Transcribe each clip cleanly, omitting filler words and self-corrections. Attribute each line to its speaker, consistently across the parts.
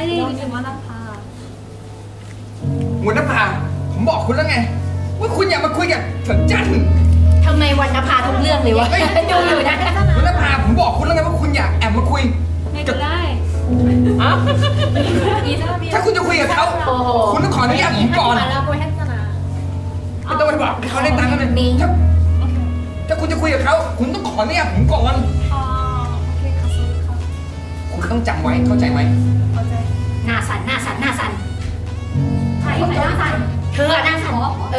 Speaker 1: name is Wanapa
Speaker 2: หัวหน้าผาผมบอกคุณแล้วไงว่าคุณอย่ามาคุยกับเฉินจัน
Speaker 3: ทำไมวรรณภาทุกเรื่องเลยวะดูอยู่นะ
Speaker 2: หัวหน้าผาผมบอกคุณแล้วไงว่าคุณอย่าแอบมาคุย
Speaker 1: ไม่เป็นไร
Speaker 2: ถ้าคุณจะคุยกับเขาคุณต้องขออนุญาตผมก่อน
Speaker 4: 라고 했잖아.
Speaker 2: ไม่ต้องไปบอกให้เขาได้ตังค์กันเลยถ้าคุณจะคุยกับเขาคุณต้องขออนุญาตผมก่อน
Speaker 1: โอเคค่ะค่ะ
Speaker 2: คุณต้องจำไว้เข้าใจไหม
Speaker 1: เข้าใจ
Speaker 3: หน้าสั่นหน้าสั่นหน้าสั่น
Speaker 1: ใครหน้าสั่น
Speaker 3: เธอหน้าสั่น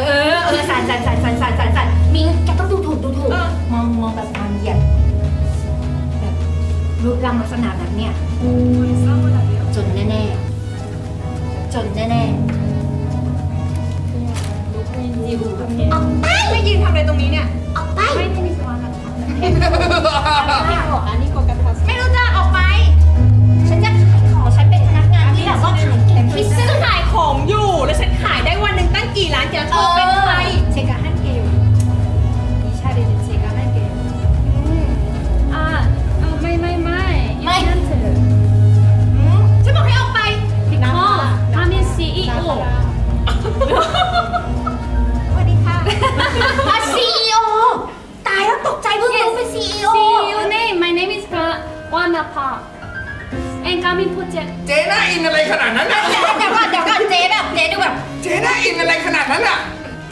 Speaker 3: สั่นมิงแกต้องดูถูกมองแบบนางเหยียดแบบรูปร่างลักษณะแบบเนี้ย
Speaker 1: โอ้ยเศร้าขนาดนี้
Speaker 3: จนแน่ๆออกไป
Speaker 4: ไม่ยืนทำอะไรตรงนี้เนี่ย
Speaker 3: ออกไป
Speaker 1: ไม่ได้มีสวรรค์
Speaker 4: ไม่บอกอันนี้โกกันทัส
Speaker 3: ไม่รู้จักออกไป ฉันจะขายของฉันเป็นพนักงานที่แบบว่าขายเก่งที่สุ
Speaker 4: ฉัน
Speaker 3: ด
Speaker 4: ขายของอยู่แล้วฉันขายได้วันหนึ่งตั้งกี่ล้านเธอเป็นใคร
Speaker 1: 제가 할게요 이 샤리는 제가 할게요 아ไม่
Speaker 4: ฉันบอกให้ออกไป
Speaker 1: because I'm CEO
Speaker 4: สวัสดีค่ะ
Speaker 3: มา CEO ตายแล้วตกใจเพิ่งรู้เป็น CEO
Speaker 1: CEO name my name is Wanapa and Gamin project
Speaker 2: เจ๊น่าอินอะไรขนาดนั้นน่ะ
Speaker 3: เดี๋ยวก่อนเจ๊แบบเจ๊ดูแบบ
Speaker 2: เจ๊น่าอินอะไรขนาดนั้นน่ะ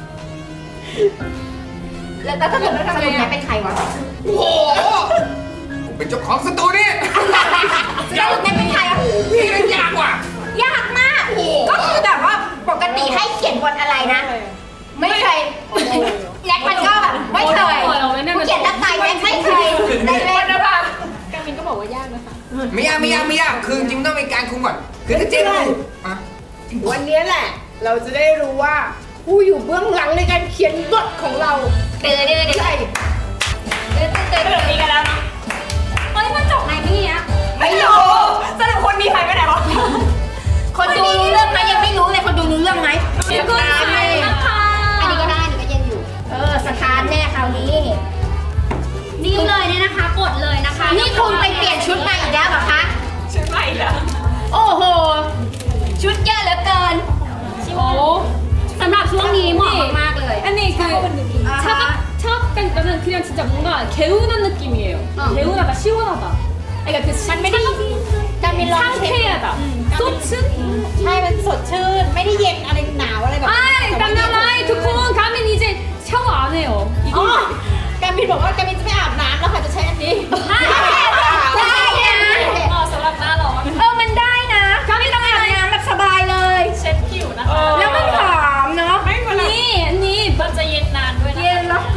Speaker 3: แล้วสรุปแกเป็นใครวะ
Speaker 2: โอ้โหผมเป็นเจ้าของสตูนี่
Speaker 3: สรุปแกเป็นใครอ่ะ
Speaker 2: พี่นั่นยากว่ะ
Speaker 3: ยากมาก ก็คือแบบว่าปกติให้เขียนบทอะไรนะ ไม่เคยแน็กมันก็แบบไม่เคยผู้เขียนตั้งใจแน็กไม่เคยได้เล่นนะป่ะ
Speaker 4: กามินก็บอกว่ายากนะคะ
Speaker 2: ไม่ยากคือจริงๆต้องมีการคุมก่อนคือถ้าเจ๊รู้อ่ะ
Speaker 5: วันนี้แหละ เราจะได้รู้ว่าผู้อยู่เบื้องหลังในการเขียนบทของเรา
Speaker 3: เดือดใช่เดือด
Speaker 4: มีกันแล้วเนาะ
Speaker 3: เฮ้ยมันจบไหนพี่อ่ะ
Speaker 4: ไม่รู้สรุปคนมีใครไปไหนวะ
Speaker 3: คนดูรู้เรื่องไหมยังไม่รู้เลยคนดูรู้เรื่องไหม
Speaker 1: 그리고นะคะ
Speaker 3: อันนี้ก็ได้หนูก็ยังอยู่ สถานแน่คราวนี้
Speaker 1: นี่เลยเนี่ยนะคะกดเลยนะคะ
Speaker 3: นี่คุณไปเปลี่ยนชุดมาอีกแล้วเหรอคะ
Speaker 4: ฉันไม่แล้ว
Speaker 3: โอ้โห ชุดเยอะเหลือเกิน
Speaker 1: โอ้สำหรับช่วงนี้เหมาะมากๆเลย
Speaker 4: อันนี้คือ
Speaker 1: 차갑다니까는 그냥 진짜 뭔가 개운한 느낌이에요. 개운하다, 시원하다. 그러니까 그 상쾌하다. 소츠?
Speaker 4: ใช่มันสดชื่นไม่ได้เย็นอะไรหนาวอะไรแบบ
Speaker 1: 아이, 땀나라이, 두콘 가면 이제 샤워 안 해요.
Speaker 4: อ๋อ
Speaker 1: 이거
Speaker 4: กามินบอกว่ากามินจะไม่อาบน้ำแล้วค่ะจะใช้อันนี้
Speaker 3: ได้นะ
Speaker 4: สำหรับหน้าร้อน
Speaker 3: มันได้นะไม่ต้องอาบน้ำแบบสบายเลย
Speaker 4: เช็ดผิวนะคะ
Speaker 3: แล้วมันหอมเนาะ
Speaker 4: ไม่เวลา
Speaker 1: 니,
Speaker 4: มันจะเย็นนานด้วยนะ
Speaker 3: เย็นแล้ว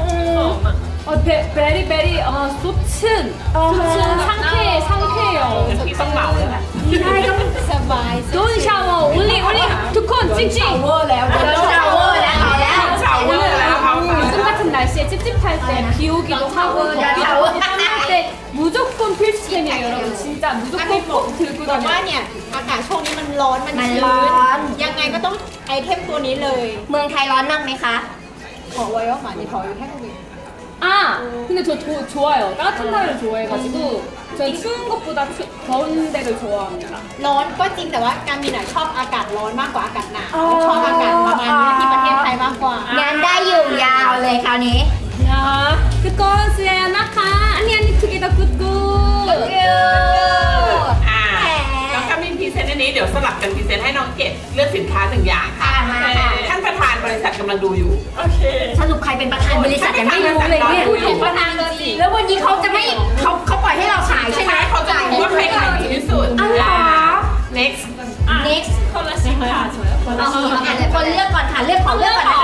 Speaker 1: 베리, 소츠. 소츠 상쾌해요.
Speaker 4: พี่ต้องเหมาเลยค่ะ
Speaker 3: ได้ก็
Speaker 4: สบาย
Speaker 1: 돈 샤워, 올리, 두콘, 찡찡.
Speaker 3: เวอร์แล้วเดี๋ยวชาวเวอร์แล้วเอาแล้ว
Speaker 1: 요즘 같은 날씨에 찝찝할 때 비 오기도 하고 덥기도 할 때 무조건 필수템이에요 여러분 진짜
Speaker 4: กามิน
Speaker 1: 무조건
Speaker 4: บอก
Speaker 1: 꼭 들고
Speaker 4: บอกว่า
Speaker 1: 다녀요
Speaker 4: เนี่ยอากาศช่วงนี้มันร้อนมัน
Speaker 3: มัน
Speaker 4: ชื้
Speaker 3: ร้อน
Speaker 4: ยังไงก็ต้องไอเทมตัวนี้เลย
Speaker 3: เมืองไทยร้อนมากไหมคะ
Speaker 4: ขอไว้ว่าหมาในท้องอยู่แค่ตรงนี้
Speaker 1: 아 근데 저 좋아요 따뜻한 나라를 좋아해가지고 전 추운 것보다 더운 데를 좋아합니다
Speaker 4: ร้อนก็จริงแต่ว่าการมินชอบอากาศร้อนมากกว่าอากาศหนาวชอบอากาศประมาณนี้ที่ประเทศไทยมากกว่า
Speaker 3: งานได้อยู่ยาวเลยคราวนี้
Speaker 1: 야 그건 수야 나카 아니 투게더 굿굿
Speaker 6: แล้วก็มีพรีเซนต์อันนี้เดี๋ยวสลับกันพรีเซนต์ให้น้องเกดเลือกสินค้าหนึ่งอย่างค่ะ
Speaker 3: มาค่ะ
Speaker 6: ท่านประธานบริษัทกำลังดูอยู่ โอเค
Speaker 3: สรุปใครเป็นประธานบริษัทยังไม่รู้เลยเนี่ย
Speaker 6: พูดถึงประธาน
Speaker 3: แล้ววันนี้เขาจะไม่เขาปล่อยให้เราขายใช่ไหม
Speaker 6: เขาจะดูว่าใครขายดีที่สุด
Speaker 3: อ๋อเหรอ
Speaker 6: next
Speaker 3: next
Speaker 1: คนละชิ้นค่ะ
Speaker 3: คนเลือกก่อนค่ะเลือกของเลือกก่อนนะคะ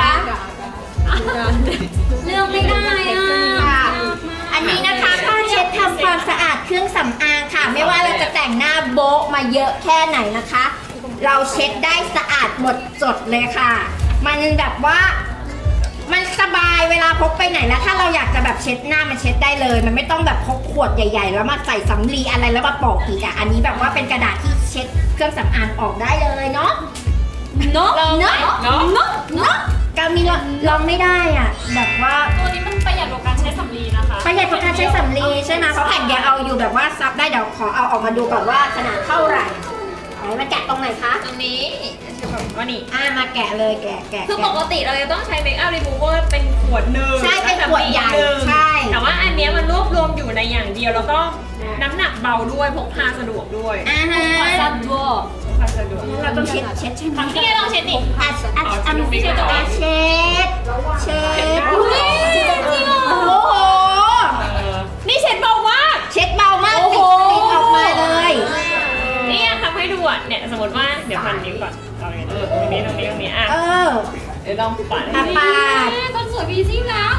Speaker 1: เลือกไม่ได้อ่ะ
Speaker 3: ค่ะอันนี้นะคะผ้าเช็ดทำความสะอาดเครื่องสำอางค่ะ ไม่ว่าเราจะแต่งหน้าโบ๊ะมาเยอะแค่ไหนนะคะ เราเช็ดได้สะอาดหมดจดเลยค่ะ มันแบบว่ามันสบายเวลาพกไปไหนแล้วถ้าเราอยากจะแบบเช็ดหน้ามันเช็ดได้เลย มันไม่ต้องแบบพกขวดใหญ่ ๆ แล้วมาใส่สำลีอะไรแล้วมาปอกอีกอ่ะอันนี้แบบว่าเป็นกระดาษที่เช็ดเครื่องสำอางออกได้เลยเนาะ
Speaker 1: เนาะ
Speaker 3: เนาะ
Speaker 6: เนาะ
Speaker 3: เนาะกามีลองไม่ได้อ่ะแบบว่า
Speaker 4: ตัวนี้มันประหยัดกว่าการใช้สำลีนะคะ
Speaker 3: ประหยัดกว่าการใช้สำลีใช่ไหมเพราะแผ่นเดียวเอาอยู่แบบว่าซับได้เดี๋ยวขอเอาออกมาดูก่อนว่าขนาดเท่าไหร่ไหนมาแกะตรงไหนคะ
Speaker 1: ตรงนี้จะแบบว่านี่
Speaker 3: มาแกะเลยแกะ
Speaker 1: คือปกติเราจะต้องใช้เมคอัพรีมูเวอร์เป็นขวดหนึ่ง
Speaker 3: ใช่เป็นขวดใหญ่
Speaker 1: หนึ่ง
Speaker 3: ใช่
Speaker 1: แต่ว่าอันเนี้ยมันรวบรวมอยู่ในอย่างเดียวแล้วก็น้ำหนักเบาด้วยพกพาสะดวกด้วย
Speaker 3: ฮะ
Speaker 1: พกพาสะดวก
Speaker 3: เราต้องเช็ดใช่ไหม
Speaker 1: นี่ไงลองเช็ดดิ
Speaker 3: อันนี้เช็ดเช็ด
Speaker 1: อุ้ยจริงเหรอ
Speaker 3: โอ้โห
Speaker 1: นี่เช็ดเบามาก
Speaker 3: เช็ดเบามาก
Speaker 1: โอ้โห
Speaker 3: ติดออกมาเลย
Speaker 1: นี่ทำให้ดูอ่ะเนี่ยสมมติว่าเดี๋ยวพันนิ้วก่อนเอาอย่างนี้ตรงนี้อ่ะ เดี๋ยวลองปัด
Speaker 3: ปาด
Speaker 1: คนสวยมีซิ่งแล้ว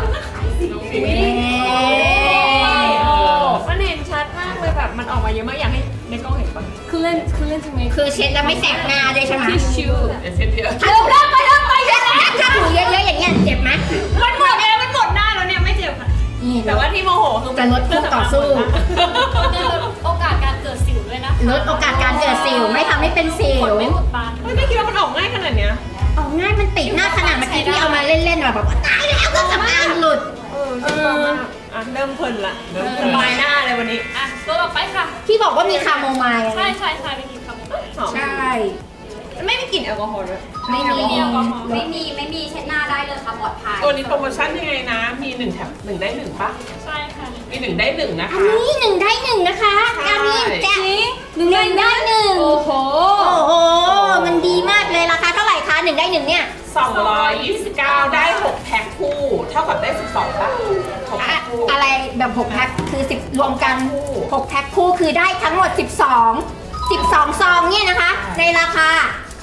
Speaker 1: มันเห็นชัดมากเลยแบบมันออกมาเยอะมากอยากให้ในกล้องเห็นปะคือเล่นใช่ไหม
Speaker 3: คือเช็ดแล้วไม่แสบหน้าด้วยใช่ไหม
Speaker 1: ทิชชู่
Speaker 6: เดี๋ยวเช็ดเดียว
Speaker 3: ถ้าถูเถ้าถูเยอะๆอย่างเงี้ยเจ็บไหม
Speaker 1: มันหมดแล้วมันหมดหน้าแล้วเนี่ยไม่เจ็บค่ะ
Speaker 3: นี่
Speaker 1: แต่ว่าที่โมโหคือ
Speaker 3: จะลดคู่ต่อสู้
Speaker 1: โอกาสการเกิดสิวด้วยนะ
Speaker 3: ลดโอกาสการเกิดสิวไม่ทำให้เป็นสิว
Speaker 1: ไม่อุดตันไม่คิดว่ามันออกง่ายขนาดเนี้ย
Speaker 3: ออกง่ายมันติดหน้าขนาดเมื่อกี้ที่เอามาเล่นๆแบบว่าตายแล้วก็สำอางหลุด
Speaker 1: อ่ะเริ่มเพลินละสบายหน้าเลยวันนี้อ่ะตัวต่อไปค่ะ
Speaker 3: ที่บอกว่ามีคาโมไมล์
Speaker 1: ใช่ไปกินคำหอม
Speaker 3: ใช่
Speaker 1: ไม่มีกลิ่นแอลกอฮอล์ด้วย
Speaker 3: ไม่มี
Speaker 1: ไม่มีเช็ดหน้าได้เลยค่ะปลอดภัย
Speaker 6: ตัวนี้โปรโมชั่นยังไงนะ มี1แถม1ได้1ปะ
Speaker 1: ใช่ค่ะ
Speaker 6: มี1ได้1นะ
Speaker 3: อัน
Speaker 6: คะ
Speaker 3: นี้1ได้1นะคะกามินแจก1ได้1
Speaker 1: โอ้โห
Speaker 3: โอ้โหมันดีมากเลยราคาเท่าไหร่คะ1ได้1เนี่ย
Speaker 6: 229 ได้ 6 แพ็คคู่ เท่ากับได้ 12ปะ6แพ็คคู่
Speaker 3: อะไรแบบ6แพ็คคือ10รวมกัน6แพ็คคู่คือได้ทั้งหมด12ซองเนี่ยนะคะ ในราคา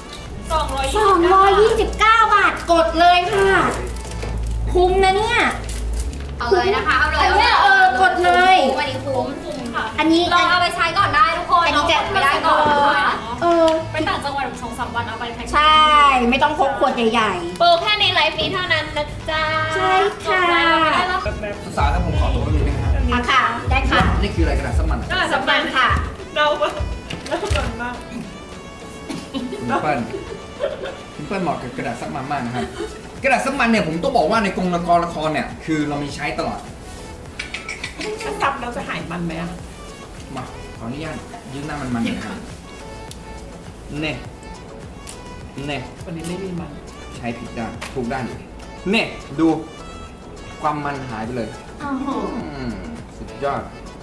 Speaker 3: 229 บาทกดเลยค่ะคุ้มนะเนี่ย
Speaker 1: เอาเลยนะคะ เอาเลย
Speaker 3: อันเนี้ยกดเลย
Speaker 1: วันนี้คุ้มค่ะ
Speaker 3: อันนี้
Speaker 1: ลองเอาไปใช้ก่อนได้ทุกคน
Speaker 3: อันนี้จะ
Speaker 1: ไม่ได้ก่อนนะคะ
Speaker 3: ไป
Speaker 1: ไปต่างจังหวัด2-3 วันเอาไปแพ็ค
Speaker 3: ใช่ ไม่ต้องพกขวดใหญ่
Speaker 1: โปรแค่ในไลฟ์นี้เท่านั้นนะจ๊ะ
Speaker 3: ใช่ค่ะ
Speaker 1: ได้แล้ว
Speaker 2: สาวๆแล้วผมขอตัวไปดูนะครับ
Speaker 3: ๆค่ะค่ะ ได้ค่ะ
Speaker 2: นี่คืออะไรกระดาษสมัน
Speaker 1: ก็สำ
Speaker 3: สำ
Speaker 1: คั
Speaker 3: คั
Speaker 1: ญ
Speaker 3: ญค่ะ
Speaker 6: เรากันมาก
Speaker 2: คุณเปิ้ลเหมาะกับกระดาษซับมันมากนะครับ กระดาษซับมันเนี่ยผมต้องบอกว่าในกองละครเนี่ยคือเรามีใช้ตลอด
Speaker 6: ถ้าซับเราจะหายมันไหมอะ
Speaker 2: มาขออนุญาตยืนหน้ามันๆหน่อยนะครับเน่
Speaker 6: วันนี้ไม่มีมัน
Speaker 2: ใช้ผิดด้านถูกด้านอยู่เน่ดูความมันหายไปเลยสุดยอด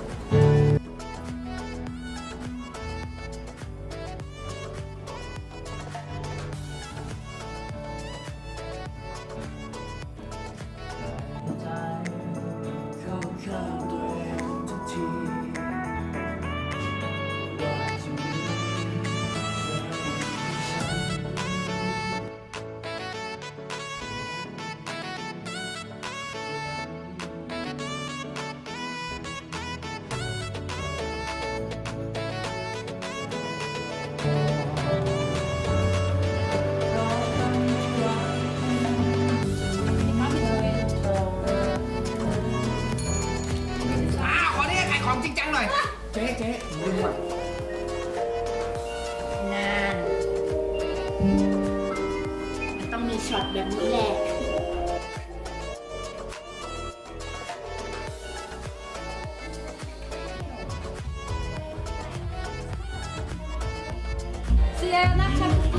Speaker 2: ขอเรียกขายของจริงจังหน่อย เจ๊ลืมว่ะ
Speaker 3: นั่นมันต้องมีช็อตแบบนี้แหละ
Speaker 1: เสียนะคะ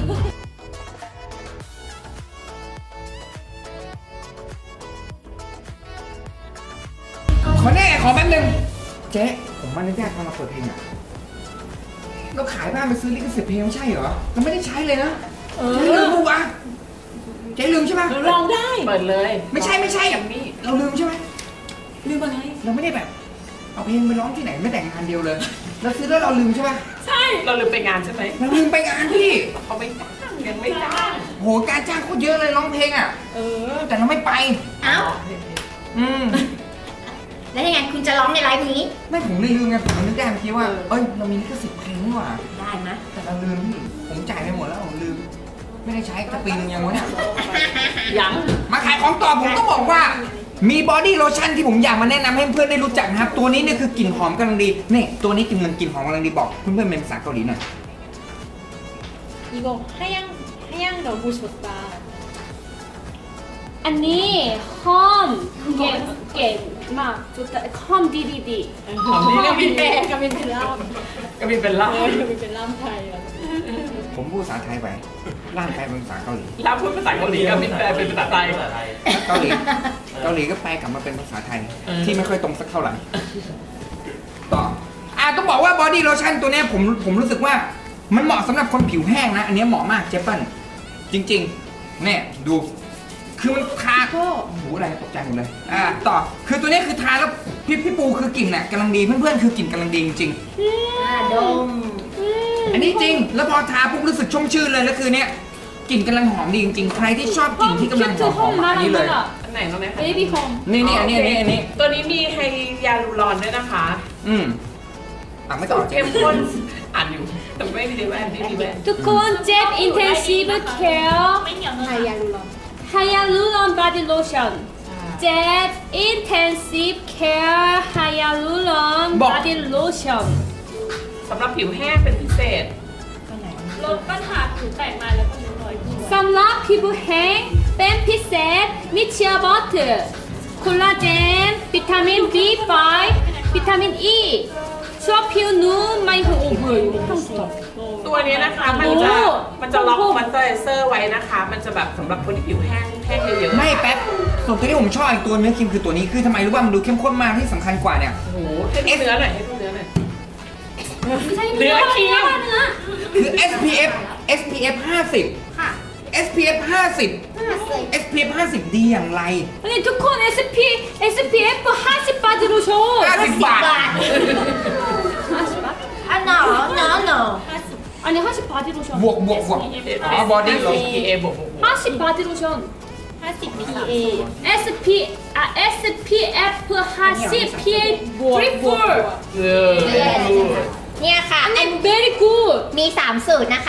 Speaker 2: ขอแน่ขอแป๊บนึงเจ๊ผมมาอนุญาตมาเปิดเพลงอ่ะเราขายบ้านไปซื้อลิขสิทธิ์เพลงไม่ใช่เหรอเราไม่ได้ใช้เลยนะเจ๊ลืมปะวะเจ๊ลืมใช่ไหม
Speaker 6: ลองได้ เปิดเลย
Speaker 2: ไม่ใช่เราลืมใช่ไหมลืมอะไรเราไม่ได้แบบ เอาเพลงไปร้องที่ไหนไม่แต่งงานเดียวเลยเราซื้อแล้วเราลืมใช่ปะ
Speaker 6: ใช่ เราลืมไปงานใช่ไหม
Speaker 2: เราลืมไปงานพี่
Speaker 6: เขาไม่จ้างยังไม่จ้าง
Speaker 2: โหการจ้างโคตรเยอะเลยร้องเพลงอ่ะแต่เราไม่ไป
Speaker 3: เอ้า
Speaker 2: อืม
Speaker 3: แล้วยังไงคุณจะร้องในไลฟ์นี้
Speaker 2: ไม่ผมเลยลืมไงผมนึกได้เมื่อกี้ว่าเอ้ยเรามีลิขสิทธิ์เพลงนี่หว่า
Speaker 3: ได้ไหม
Speaker 2: แต่เราลืมพี่ผมจ่ายไปหมดแล้วผมลืม ไม่ได้ใช้จะปีนึงยังวะเนี่ย
Speaker 6: ยัง
Speaker 2: มาขายของต่อผมต้องบอกว่า มีบอดี้โลชั่นที่ผมอยากมาแนะนำให้เพื่อนได้รู้จักนะครับ ตัวนี้เนี่ยคือกลิ่นหอมกำลังดีนี่ตัวนี้กลิ่นหอมกำลังดีบอกเพื่อนๆเป็นภาษาเกาหลีหน่อย
Speaker 1: 이거 하양 너무 좋다. 아니 홈 게막 좋다. 홈 DDD.
Speaker 6: หอมนี่ก็มี
Speaker 1: 가민 벨람.
Speaker 6: ก็มีเป็นเหล่า
Speaker 1: 가민 벨람 타이.
Speaker 2: ผมพูดภาษาไทยไปร่างแปลเป็นภาษาเกาหลี
Speaker 6: แล้วพูดภาษาเกาหลีก็มินแปลเป็นภาษาไทย
Speaker 2: เกาหลีก็แปลกลับมาเป็นภาษาไทย ที่ไม่ค่อยตรงสักเท่าไหร่ต่อต้องบอกว่าบอดี้โลชั่นตัวเนี้ยผมรู้สึกว่ามันเหมาะสำหรับคนผิวแห้งนะ อันเนี้ยเหมาะมากเจเปิ้ลจริงๆเนี่ยดูคือมันทาก็หูอะไรตกใจหมดเลยต่อคือตัวเนี้ยคือทาแล้วพี่ปูคือกลิ่นน่ะกำลังดีเพื่อนๆคือกลิ่นกำลังดีจริง
Speaker 3: ดม
Speaker 2: ๆอันนี้จริงแล้วพอทาปุ๊บรู้สึกชุ่มชื่นเลยแล้วคือเนี้ยกลิ่นกำลังหอมดีจริงๆใครที่ชอบกลิ่นที่กำลังหอมๆอันนี้เลย
Speaker 6: อันไหนรู้ไหมคะ
Speaker 1: 베이비 홈.
Speaker 2: นี่อันนี้
Speaker 6: ตัวนี้มีไฮยาลูรอนด้วยนะคะ
Speaker 2: ไม่ต่อ
Speaker 6: เข้มข้นอ่านอยู่แต่ไม่มีแว่นไม่มีแว่น
Speaker 1: 두콘 잽 인텐시브 케어
Speaker 5: ไฮยาลูรอน
Speaker 1: 하야루론 바디 로션. 잽 인텐시브 케어 하야루론 바디 로션.
Speaker 6: สำหรับผิวแห้งเป็นพิเศษ
Speaker 1: ลดปัญหาผิวแตกมันแล้วก็ริ้วรอยสำหรับผิวแห้งเป็นพิเศษมีเชียร์บอตเตอร์คอลลาเจนวิตามิน B5 วิตามิน E ช่วยผิวนุ่มไม่หดหู่
Speaker 6: ตัวนี้นะคะมันจะล็อกมันเตอร์เซอร์ไว้นะคะ มันจะแบบสำหรับคนที่ผิวแห้งเยอะๆ
Speaker 2: ไม่แป๊บส่วนตัวที่ผมชอบอีกตัวเนื้อครีมคือตัวนี้คือทำไมรู้ว่ามันดูเข้มข้นมากที่สำคัญกว่าเนี่ย
Speaker 6: โอ้โหให้ดูเนื้อหน่อยให้ดูเนื้อหน่อย
Speaker 1: เนื้อครีม
Speaker 2: คือ SPF 50
Speaker 3: ค่ะ
Speaker 2: SPF 50 SPF 50 ดีอย่างไร
Speaker 1: 아니 두콘 SPF 50 바디 로션
Speaker 2: 50 บาท
Speaker 3: อันหนอ
Speaker 1: 아니 50 바디 로션
Speaker 2: บวกบอดี้โลชั่น
Speaker 6: PA บวก
Speaker 1: 50 바디 로션
Speaker 5: 50 PA
Speaker 1: SPF 50 PA 34
Speaker 3: เนี่ยค่ะ
Speaker 1: and very good
Speaker 3: มี 3 สูตรนะคะ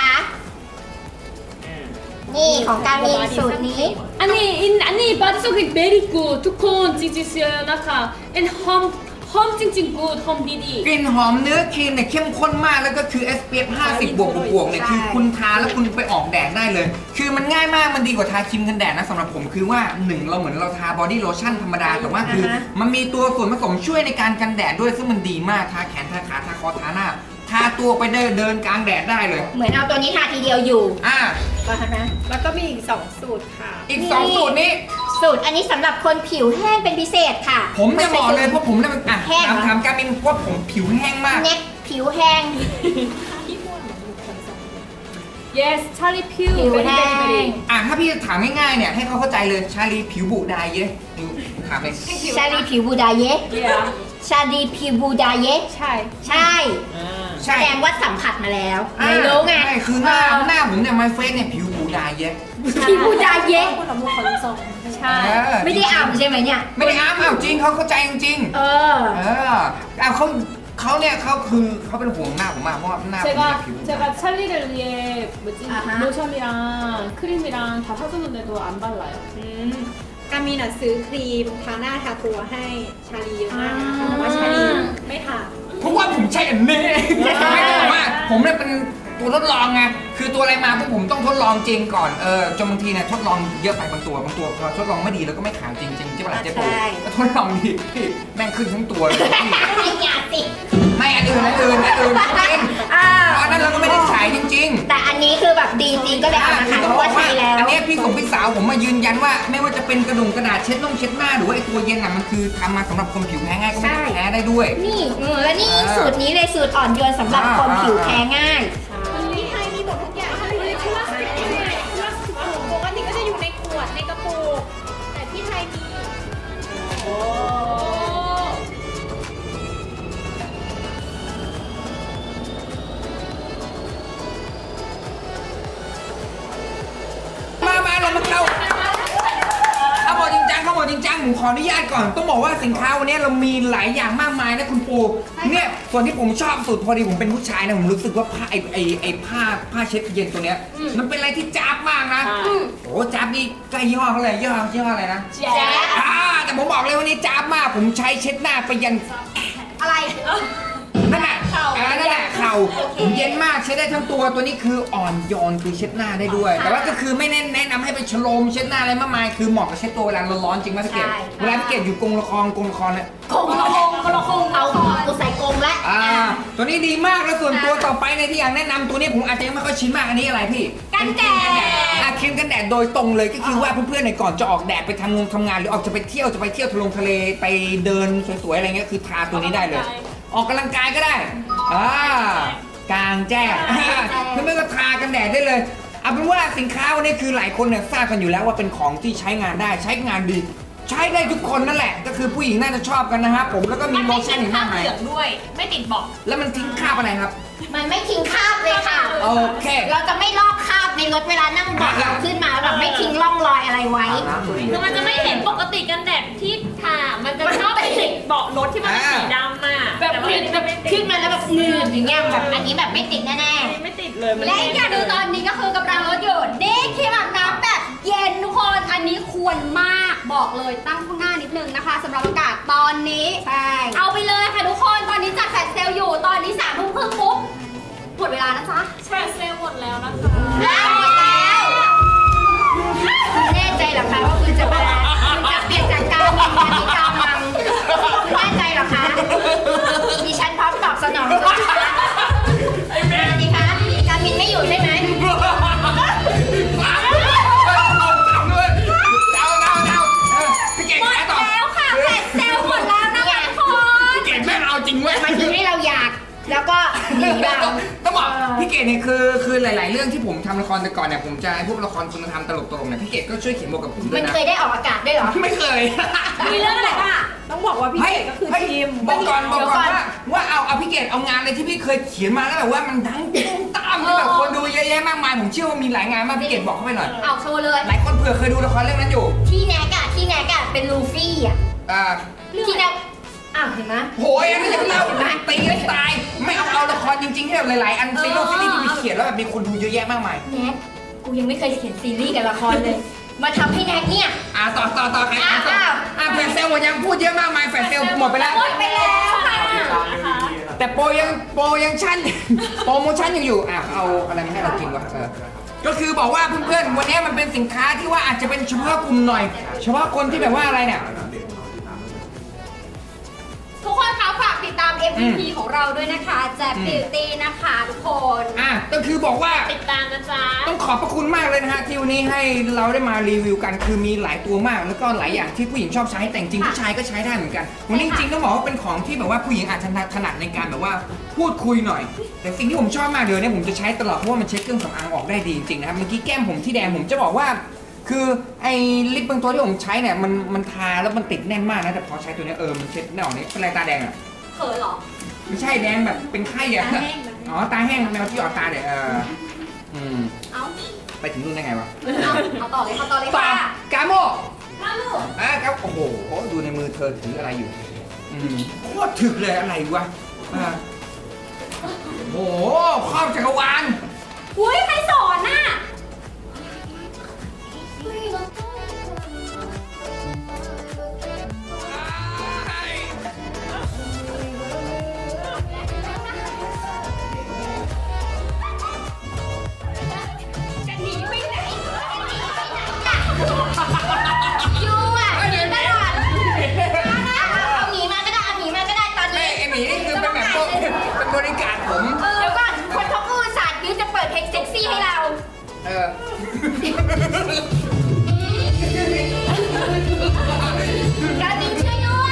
Speaker 3: นี่ของการมีสูตรนี้
Speaker 1: 아니 바디 소킹 very good 두콘 찡찡스요 나카 and 홈 찡찡 good 홈 디디
Speaker 2: กลิ่นหอมเนื้อครีมเนี่ยเข้มข้นมากแล้วก็คือ SPF 50 บวกเนี่ยคือคุณทาแล้วคุณไปออกแดดได้เลย คือมันง่ายมากมันดีกว่าทาครีมกันแดดนะสำหรับผมคือว่า1เราเหมือนเราทาบอดี้โลชั่นธรรมดาแต่ว่าคือมันมีตัวส่วนผสมช่วยในการกันแดดด้วยซึ่งมันดีมากทาแขนทาขาทาคอทาหน้าทาตัวไปเดินกลางแดดได้เลย
Speaker 3: เหมือนเอาตัวนี้ทาทีเดียวอยู่ ก็ทำนะ
Speaker 5: แล้วก็มีอีก 2 สูตรค่ะ
Speaker 2: อีก 2 สูตรนี้
Speaker 3: สูตรอันนี้สำหรับคนผิวแห้งเป็นพิเศษค่ะ
Speaker 2: ผมจะบอกเลยเพราะผมเนี่ยมัน
Speaker 3: แห้งเหรอ
Speaker 2: ถามการมินว่าผมผิวแห้งมาก
Speaker 3: เน็กผิวแห้ง
Speaker 1: yes 찰리 퓨
Speaker 3: ผิว
Speaker 1: very
Speaker 3: แห้
Speaker 1: very
Speaker 3: ง
Speaker 1: very
Speaker 2: ถ้าพี่จะถามง่ายๆเนี่ยให้เขาเข้าใจเลยชาลีผิวบุดายเยอะดูถามเลย
Speaker 3: ชาลีผิวบูดาเยะ
Speaker 1: yeah
Speaker 3: ชาลีผิวบูดาเยะ
Speaker 1: 찰
Speaker 3: ใช่ แส
Speaker 2: ใช่
Speaker 3: ดงว่าสัมผัสมาแล้วไม่รู้ไง
Speaker 2: ใช่คือหน้าผมเนี่ยไมเฟสเนี่ยผิวบุดายเยอะ
Speaker 3: ผิวบูดาเยะ
Speaker 1: 찰
Speaker 3: ไม่ได้อ่ำใช่ไหมเนี่ย
Speaker 2: ไม่ได้อ้าวจริงเขาเข้าใจจริง
Speaker 3: เออ
Speaker 2: เขาเนี่ยเขาเป็นห่วงหน้าผมมากเพราะว่าหน้าผมเนี่ยผิว
Speaker 1: 제가 찰리를 위해 뭐지
Speaker 3: 아하.
Speaker 1: 로션이랑 크림이랑 다 사줬는데도 안 발라요.
Speaker 5: การมีน่ะซื้อครีมทาหน้าทาตัวให้ชาลีเยอะมากนะคะแต่ว่าชาลีไม่ทา
Speaker 2: เพราะว่าผมใช้อันนี้ไม่ต้องบอกว่าผมเนี่ยเป็นตัวทดลองไงคือตัวอะไรมาพวกผมต้องทดลองจริงก่อนจนบางทีเนี่ยทดลองเยอะไปบางตัวพอทดลองไม่ดีแล้วก็ไม่ขายจริงใช่ปะล่ะเจ๊ปู
Speaker 3: ใช่
Speaker 2: ทดลองดีพี่แม่งขึ้นทั้งตัวเลยพี่
Speaker 3: ไม่อยากสิ
Speaker 2: ไม่อันอื่นจริง
Speaker 3: อ่า
Speaker 2: เพราะอันนั้นเราก็ไม่ได้ขายจริง
Speaker 3: แต่อันนี้คือแบบดีจริงก็เลยเอามาขายเพราะว่าใช้แล้ว
Speaker 2: อันนี้พี่สาวผมมายืนยันว่าไม่ว่าจะเป็นกระดาษเช็ดหน้าหรือว่าไอตัวเย็นอ่ะมันคือทำมาสำหรับคนผิวแพ้ง่ายก็ไม่ได้แพ้ได้ด้วย
Speaker 3: นี่และนี่สูตรนี้เลยสูตรอ่อนโยนสำหรับคนผิวแพ้ง่าย
Speaker 5: ที่ไทยมีหมดทุกอย่างค่ะเลยพลาสติกปกติก็จะอยู่ในขวดในกระปุกแต่ที่ไทยมี
Speaker 2: มาเรามาเข้าบอกจริงจังผมขออนุญาตก่อนต้องบอกว่าสินค้าวันนี้เรามีหลายอย่างมากมายนะคุณปูเนี่ยส่วนที่ผมชอบสุดพอดีผมเป็นผู้ชายนะผมรู้สึกว่าผ้าไอ้ผ้าเช็ดเย็นตัวเนี้ยมันเป็นอะไรที่จ๊าบมากนะโอ้จ๊าบนี่ใกล้ยี่ห้อเขาเลยยี่ห้ออะไรนะ
Speaker 3: แจ๊บ
Speaker 2: แต่ผมบอกเลยวันนี้จ๊าบมากผมใช้เช็ดหน้าไปยัน
Speaker 3: อะไร
Speaker 2: นั่นแหละเข่าผมเย็นมากใช้ได้ทั้งตัวตัวนี้คืออ่อนโยนคือเช็ดหน้าได้ด้วย แต่ว่าก็คือไม่แนะนำให้ไปฉโลมเช็ดหน้าอะไรมากมายคือเหมาะกับเช็ดตัวเวลาร้อนๆจริงไหมพี่เกดเวลาพี่เกดอยู่กองละครเนี่ย
Speaker 3: คงเอากูใส่กรงแล้ว
Speaker 2: ตัวนี้ดีมากแล้วส่วนตัวต่อไปในที่อยากแนะนำตัวนี้ผมอาจจะยังไม่ค่อยชินมากอันนี้อะไรพี่
Speaker 3: กันแดด
Speaker 2: ครีมกันแดดโดยตรงเลยก็คือว่าเพื่อนๆเนี่ยก่อนจะออกแดดไปทำงานหรือออกจะไปเที่ยวทะเลไปเดินสวยๆอะไรเงี้ยคือทาตัวนี้ได้เลย ออกกำลังกายก็ได้กลางแจ้งเพื่อนๆก็ทากันแดดได้เลยเอาเป็นว่าสินค้าวันนี้คือหลายคนเนี่ยทราบกันอยู่แล้วว่าเป็นของที่ใช้งานได้ใช้งานดีใช้ได้ทุกคนนั่นแหละก็คือผู้หญิงน่าจะชอบกันนะครับผมแล้วก็มีโลชั่นอีกมากมาย
Speaker 1: เหลืองด้วย ไม่ติดเบอก
Speaker 2: แล้วมันทิ้งคราบอะไรครับ
Speaker 3: มันไม่ทิ้งคราบเลยค่ะ
Speaker 2: โอเค
Speaker 3: เราจะไม่ลอกคราบในรถเวลานั่งเบาะเราขึ้นมาแบบไม่ทิ้งร่องรอยอะไรไว้
Speaker 1: คือมันจะไม่เห็นปกติกันแดดที่ทามันจะชอบไปติดเบาะรถที่มันเป็นสีดำอ่ะ
Speaker 3: แบบ
Speaker 1: แต่ว่าอันนี้มันไม่ติ
Speaker 3: ขึ้
Speaker 1: ด
Speaker 3: นมาแล้วแบบหนืดอย่างเงี้ยแบบอันนี้แบบไม่ติดแน่
Speaker 1: ไม่ติดเลยมัน
Speaker 3: ๆและอย่าดูตอนนี้ก็คือกำลังรถอยู่นี่ครีมอาบน้ำแบบเย็นทุกคนอันนี้ควรมากบอกเลยตั้งข้างหน้านิดนึงนะคะสำหรับอากาศตอนนี้ใช่เอาไปเลยค่ะทุกคนตอนนี้จัดแฟลชเซลล์อยู่ตอนนี้3 ทุ่มครึ่งปุ๊บหมดเวลานะจ๊ะ
Speaker 1: แฟลชเซลล์หมดแล้วนะคะ
Speaker 3: หมดแล้วคุณแน่ใจเหรอคะว่าคุณจะเปลี่ยนจากการมินมาที่กามังคุณแน่ใจเหรอคะดิฉันพร้อมตอบสนองด้วยนะคะดีคะการมินไม่อยู่ใช่ไหม
Speaker 2: พี่เก่ง
Speaker 3: หมด
Speaker 2: ขายต่อ
Speaker 3: แล้วค่ะแฟลชเซลล์หมดแล้วนะคะทุกคน
Speaker 2: พี่เก่งแม่งเอาจริงเว้ย
Speaker 3: มันทำให้เราอยากแล้วก็หนีเรา
Speaker 2: ต้องบอกพี่เกดเนี่ยคือหลาย ๆ เรื่องที่ผมทำละครแต่ก่อนเนี่ยผมจะพวกละครคุณธรรมตลกๆเนี่ยพี่เกดก็ช่วยเขียนบทกับผมด้ว
Speaker 3: มั
Speaker 2: ย
Speaker 3: น
Speaker 2: นะ
Speaker 3: เคยได้ออกอากาศด้วยเหรอ
Speaker 2: ไม่เคย
Speaker 3: มีเรื่องอะไรบ้าง
Speaker 4: ต้องบอกว่าพี่เกดก็คือทีม
Speaker 2: บอกก่อนว่าเอาพี่เกดเอางานอะไรที่พี่เคยเขียนมาแล้วแบบว่ามันดังตุ้มตามที่แบบคนดูเยอะแยะมากมายผมเชื่อว่ามีหลายงานมากพี่เกดบอกเข้าไปหน่อย
Speaker 3: เอาโชว์เลย
Speaker 2: หลายคนเผื่อเคยดูละครเรื่องนั้นอยู่
Speaker 3: ที่แนกอะเป็นลูฟี่อะ ที่แนกอ้าวเห็นไหม
Speaker 2: โหยอันนี้จะเล่าตีให้ตายไม่เอาละครจริงๆที่แบบหลายๆอันซีรีส์ที่มีเขียนแล้วแบบมีคนดูเยอะแยะมากมาย
Speaker 3: แนกกูยังไม่เคยเขียนซีรีส์กับละครเลย มาทำให้แนกเนี่ย
Speaker 2: ต่อใครต่อแฟนเซลหมดยังพูดเยอะมากมายแฟนเซลหมดไปแล้ว
Speaker 3: หมดไปแล้วค่ะ
Speaker 2: แต่โปรยังชั่น โปรโมชั่นยังอยู่เอาอะไรมาให้เรากินวะก็คือบอกว่าเพื่อนๆวันนี้มันเป็นสินค้าที่ว่าอาจจะเป็นเฉพาะกลุ่มหน่อย เฉพาะคนที่แบบว่าอะไรเนี่ย
Speaker 3: ทุกคนคะฝากติดตาม MVP ของเราด้วยนะคะแจ็บบิวตี้นะคะทุกคน
Speaker 2: ก็คือบอกว่า
Speaker 1: ติดตามนะจ๊ะ
Speaker 2: ต้องขอบพระคุณมากเลยนะฮะที่วันนี้ให้เราได้มารีวิวกันคือมีหลายตัวมากแล้วก็หลายอย่างที่ผู้หญิงชอบใช้แต่จริงผู้ชายก็ใช้ได้เหมือนกันวันนี้จริงๆต้องบอกว่าเป็นของที่แบบว่าผู้หญิงอาจจะถนัดในการแบบว่าพูดคุยหน่อย แต่สิ่งที่ผมชอบมากเดี๋ยวนี้ผมจะใช้ตลอดเพราะว่ามันเช็ดเครื่องสำอางออกได้ดีจริงๆนะครับเมื่อกี้แก้มผมที่แดงผมจะบอกว่า คือไอ้ลิปบางตัวที่ผมใช้เนี่ยมันทาแล้วมันติดแน่นมากนะแต่พอใช้ตัวนี้มันเช็ดไม่ออกนี่เป็นไรตาแดงอ่ะ
Speaker 3: เขินเหรอ
Speaker 2: ไม่ใช่แดงแบบเป็นไข้อะ
Speaker 3: ตาแห้ง
Speaker 2: อ๋อตาแห้งแมวที่ออกตาเนี่ย
Speaker 3: เอา
Speaker 2: ไปถึงนู่นได้ไงวะ
Speaker 3: เอาต่อเลย
Speaker 2: ต่อ
Speaker 3: ค่ะ
Speaker 2: กาโม
Speaker 3: มาลูก
Speaker 2: ครับโอ้โหดูในมือเธอถืออะไรอยู่โคตรถึกเลยอะไรวะโอ้โหครอบจักรวาล
Speaker 3: อุ้ยใครสอนน่ะจะหนีไปไหนยูอ่ะหนีตลอดเอาหนีมาก็ได้ตอน
Speaker 2: ไม่
Speaker 3: นี้
Speaker 2: ไอหมีนี่คือเป็นแบบพวกเป็นบริการผม
Speaker 3: เดี๋ยวก่อนคนเขาพูดศาสตร์ยูจะเปิดเพลงเซ็กซี่ให้เรา กามินช่วยด้วย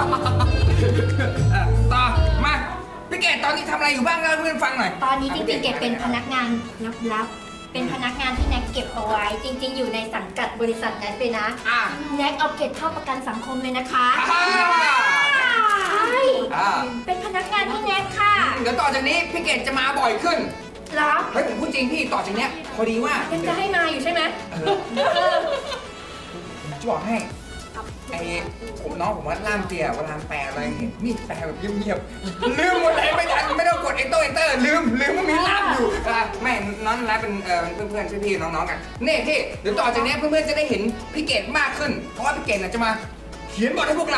Speaker 2: ต่อมาพี่เกดตอนนี้ทำอะไรอยู่บ้างเล่าให้เพื่อนฟังหน่อย
Speaker 3: ตอนนี้จริงๆเก็บเป็นพนักงานลับๆเป็นพนักงานที่แน็กเก็บเอาไว้ จริง ๆ อยู่ในสังกัดบริษัทแน็กเลยนะ แน็กเอาเก็บเข้าประกันสังคมเลยนะคะใช่เป็นพนักงานที่แน็กค่ะ
Speaker 2: เดี๋ยวต่อจากนี้พี่เกดจะมาบ่อยขึ้น
Speaker 3: เหรอ
Speaker 2: เฮ้ยผมพูดจริงพี่ต่อจากเนี้ยพอดีว่า
Speaker 3: ยังจะให้มาอยู่ใช่ไหม
Speaker 2: ผมจะบอกให้ไอ้น้องผมว่าล่ามเตียเวลาแปลอะไรเห็นนี่แปลแบบเงียบๆลืมหมดเลยไม่ทันไม่ต้องกดเอนเตอร์ลืมว่ามีล่ามอยู่ไม่น้องร้านเป็นเพื่อนพี่ๆน้องๆกันนี่พี่เดี๋ยวต่อจากนี้เพื่อนๆจะได้เห็นพี่เกดมากขึ้นเพราะว่าพี่เกดจะมาเขียนบทให้พวกเรา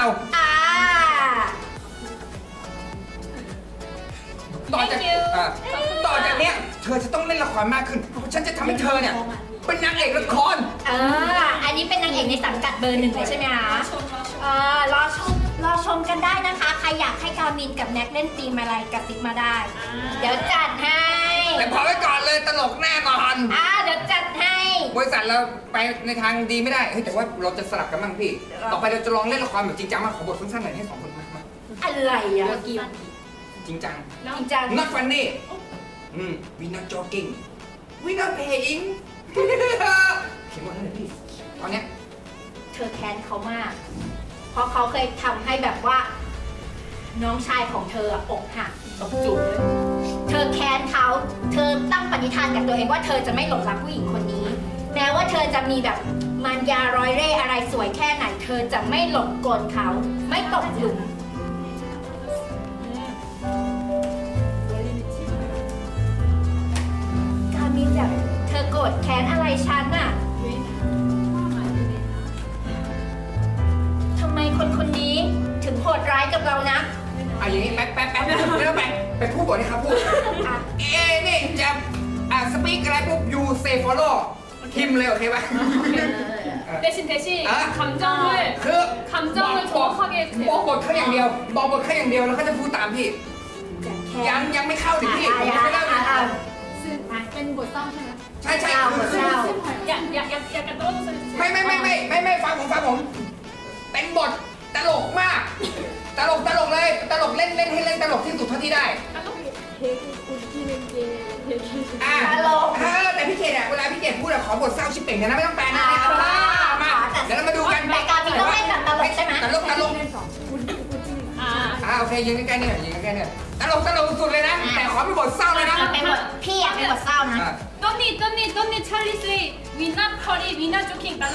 Speaker 2: ต่อจากเนี้ยเธอจะต้องเล่นละครมากขึ้นเพราะฉันจะทำให้เธอเนี่ยเป็นนางเอกละคร
Speaker 3: อันนี้เป็นนางเอกในสังกัดเบอร์ 1เลยใช่ไหมคะรอชรอชมกันได้นะคะ ใครอยากให้กามินกับแน็กเล่นธีมอะไรกระซิบมาได้ เดี๋ยวจัดให้
Speaker 2: แต่พอไว้ก่อนเลยตลกแน่นอน
Speaker 3: เดี๋ยวจัดให้
Speaker 2: บริษัทเราไปในทางดีไม่ได้เฮ้ยแต่ว่าเราจะสลับกันบ้างพี่ ต่อไปเราจะลองเล่นละครแบบจริงจังมาขอบทสั้นๆหน่อยให้สองคนมา
Speaker 3: อะไรอ่ะ
Speaker 2: จริงจัง
Speaker 3: จริงจัง
Speaker 2: not funny we not joking we not paying เขียนหมดแล้วเลยพี่ตอนเนี้ย
Speaker 3: เธอแค้นเขามาก เพราะเขาเคยทำให้แบบว่า น้องชายของเธออกหัก
Speaker 6: ต้องจุก
Speaker 3: เธอแค้นเขา เธอตั้งปณิธานกับตัวเองว่าเธอจะไม่หลงรักผู้หญิงคนนี้ แม้ว่าเธอจะมีแบบมารยาร้อยเร่ห์อะไรสวยแค่ไหน เธอจะไม่หลงกลเขา ไม่ตกหลุม กามินแบบเธอโกรธแค้นอะไรฉันน่ะ ทำไมคนคนนี้ถึงโหดร้ายกับเรานะ
Speaker 2: อย่างนี้แป๊บแล้วไปพูดบทให้ครับพูด
Speaker 3: อ่ะ
Speaker 2: นี่จะสปีกอะไรปุ๊บ you say follow พิมพ์เลยโอเคป่ะ
Speaker 1: 대신 대신
Speaker 2: 아.
Speaker 1: 감정을
Speaker 2: คือ
Speaker 1: 감정을 정확하게
Speaker 2: บอกบทเขาอย่างเดียว บอกบทเขาอย่างเดียวแล้วเขาจะพูดตามพี่ ยังไม่เข้าถึงพี่ผมยังไม่เล่าเลย
Speaker 5: เป็นบทเศร้าใช่ไหม
Speaker 2: ใช่
Speaker 3: เศร้า
Speaker 2: คือ
Speaker 3: เศร้า
Speaker 1: 약간 떨어져서
Speaker 2: ไม่ฟังผมเป็นบทตลกมาก ตลกเลยตลกเล่นให้เล่นตลกที่สุดเท่าที่ได้
Speaker 3: ตลก
Speaker 2: แต่พี่เกดเวลาพี่เกดพูดขอบทเศร้าชิบเป่งนะไม่ต้องแปลนะมาเดี๋ยวเรามาดูกัน
Speaker 3: แต่การมินต้องเล่นแบบตลกใช่ไหม
Speaker 2: ตลกโอเคยืนใกล้ๆเนี่ยตลกสุดเลยนะ แต่ขอเป็นบทเศร้าเลยนะ
Speaker 3: เป็นบทพี่อยากเป็นบทเศร้านะ
Speaker 1: Don't Charlie say we not curry we not joking 따로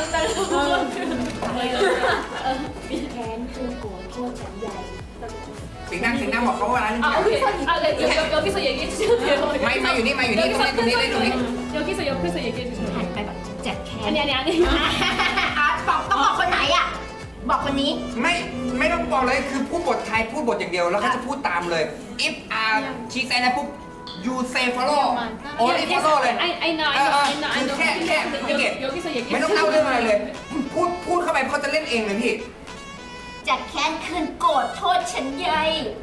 Speaker 3: แค้นคือโกรธโทษฉันใหญ่
Speaker 2: เสียงดังบอกเขาว่าอะไร
Speaker 1: 아 오케이 여기서 얘기해 주셔도 돼요
Speaker 2: มาอยู่นี่ตรงนี้
Speaker 1: 여기서 옆에서 얘기해
Speaker 3: หัน
Speaker 1: 주셔도
Speaker 3: ไปแบบเจ็บแค้น
Speaker 1: 아니
Speaker 3: ต้องบอกคนไหนอ่ะ บอกคนนี้
Speaker 2: ไม่ต้องบอกเลยคือพูดบทไทยพูดบทอย่างเดียวแล้วก็จะพูดตามเลย if she say นะปุ๊บ you say follow only follow เลย
Speaker 1: I know
Speaker 2: คือแค่พี่เกด
Speaker 1: 여기서 얘기해
Speaker 2: ไม่ต้องเล่าเรื่องอะไรเลย พูดเข้าไปเขาจะเล่นเองเลยพี่
Speaker 3: จะแค้นคืนโกรธโทษฉันใหญ่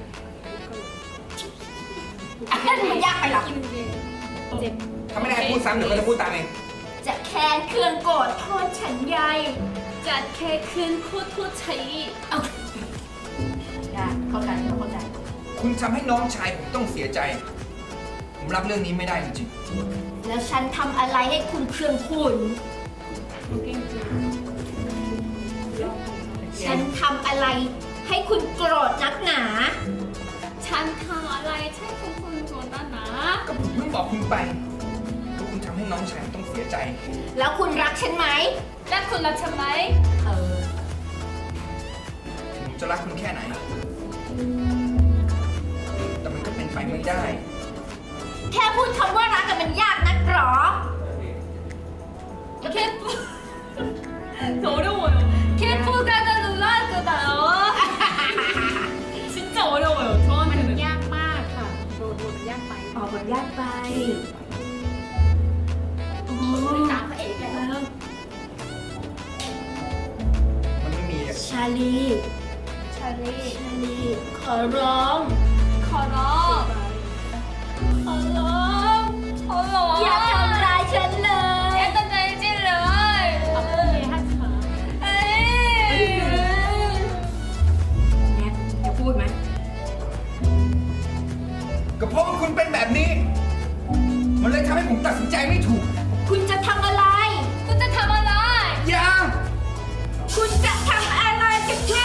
Speaker 3: มันยากไปหรอ
Speaker 2: ถ้าไม่ได้ให้พูดซ้ำเดี๋ยวเขาจะพูดตามเอง
Speaker 3: จะแค้นคืนโกรธโทษฉันใหญ่
Speaker 1: 잣캐 큰 코토 차이
Speaker 3: ได้เข้าใจ
Speaker 2: คุณทำให้น้องชายผมต้องเสียใจ ผมรับเรื่องนี้ไม่ได้จริง
Speaker 3: แล้วฉันทำอะไรให้คุณเครื่องคุณ ฉันทำอะไรให้คุณโกรธนักหนา
Speaker 1: 잔탕 알라이 찰콩콩 거다나
Speaker 2: ๆก็ผมเพิ่งบอกคุณไปว่าคุณทำให้น้องชายผมต้องเสียใจ
Speaker 3: แล้วคุณรักฉันไหม
Speaker 1: 딱คุณ나 참마이
Speaker 2: ผมจะรักคุณแค่ไหน แต่มันก็เป็นไปไม่ได้
Speaker 3: แค่พูดคำว่ารักกันมันยากนักหรอ
Speaker 1: 캠프 어려워요 캠프 가다 놀라거든요 진짜 어려워요
Speaker 5: มัน
Speaker 1: 저한테는
Speaker 5: ยากมากค่ะโดนมันยากไป
Speaker 3: ออกบทยากไปโอ้
Speaker 5: ตามพระเอกแล้ว
Speaker 2: มันไม่มีอะ
Speaker 3: ชาลีชาลีขอร้อง
Speaker 1: 커럼 어머
Speaker 3: อย่าทำร้ายฉันเลย
Speaker 1: 약간 날질러
Speaker 5: 아프게 하지 마.
Speaker 3: แน็กจะพูดไหม
Speaker 2: ก็เพราะว่าคุณเป็นแบบนี้ มันเลยทำให้ผมตัดสินใจไม่ถูก
Speaker 3: คุณจะทำอะไร
Speaker 1: 혼자 담아라
Speaker 2: อย่า
Speaker 3: คุณจะทำอะไรกันแน่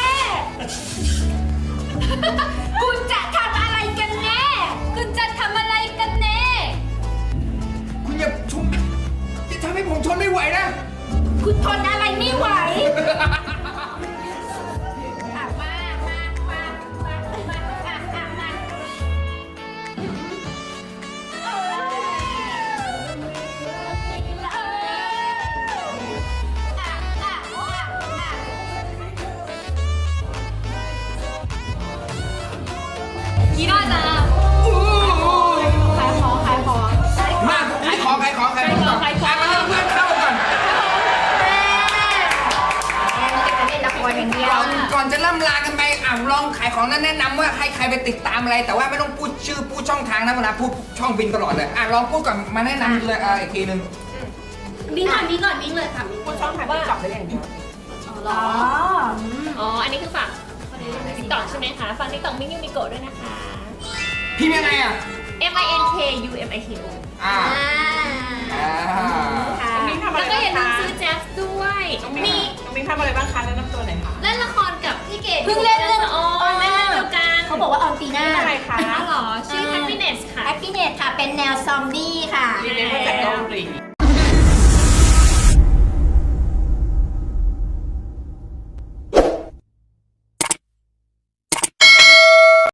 Speaker 3: คุณจะทำอะไรกันแน่
Speaker 1: 혼자 담아라 이깐네
Speaker 2: คุณอย่าทำให้ผมทนไม่ไหวนะ
Speaker 3: คุณทนอะไรไม่ไหว
Speaker 1: 일하자
Speaker 5: ขายของ
Speaker 2: มาขายของก่อน
Speaker 1: ขายของ
Speaker 2: มาให้เพื่อนเข้าก่อน
Speaker 3: เล่นละครอย่างเดียว
Speaker 2: ก่อนจะล่ำลากันไปลองขายของนั้นแนะนำว่าให้ใครไปติดตามอะไร แต่ว่าไม่ต้องพูดชื่อพูดช่องทางนะเวลาพูดช่องบินตลอดเลยลองพูดก่อนมาแนะนำเลยอีกทีนึง
Speaker 5: มิ้งก่อนมิ้งก่อนมิ้งเลยค่ะมิ้ง
Speaker 6: พูดช่องทางติ๊กต็อกได้อย่างเดียว
Speaker 1: อ๋อ อันนี้คือฝั่งติ๊กต็อกใช่ไหมคะ ฝั่งติ๊กต็อกมิ้งยูมิโกะด้วยนะคะ
Speaker 2: พิมพ์ยังไงอ่ะ
Speaker 1: MINKUMIKO
Speaker 2: อ่า
Speaker 6: น้องมิ้งทำอะไร
Speaker 1: แล้วก็
Speaker 6: บ้าง
Speaker 1: อย่าลื
Speaker 6: คะ
Speaker 1: มซื้อแจ๊สด้วย
Speaker 6: น้องมิ้งทำอะไรบ้างคะแนะนำตัวหน่อยค่ะ
Speaker 1: เล่นละครกับพี่เกด
Speaker 3: เพิ่งเล่นเรื่อง
Speaker 1: อ๋อเล่นเรื่องเดียวกัน
Speaker 3: เขาบอกว่าออนปีหน้า
Speaker 6: เป็นอะไรคะ
Speaker 1: อ๋อเหรอ ชื่อ Happiness ค่ะ
Speaker 3: แอปปี้เนตค่ะ เป็นแนวซอมบี้ค่ะ
Speaker 6: รีเมคมาจากเกาหลี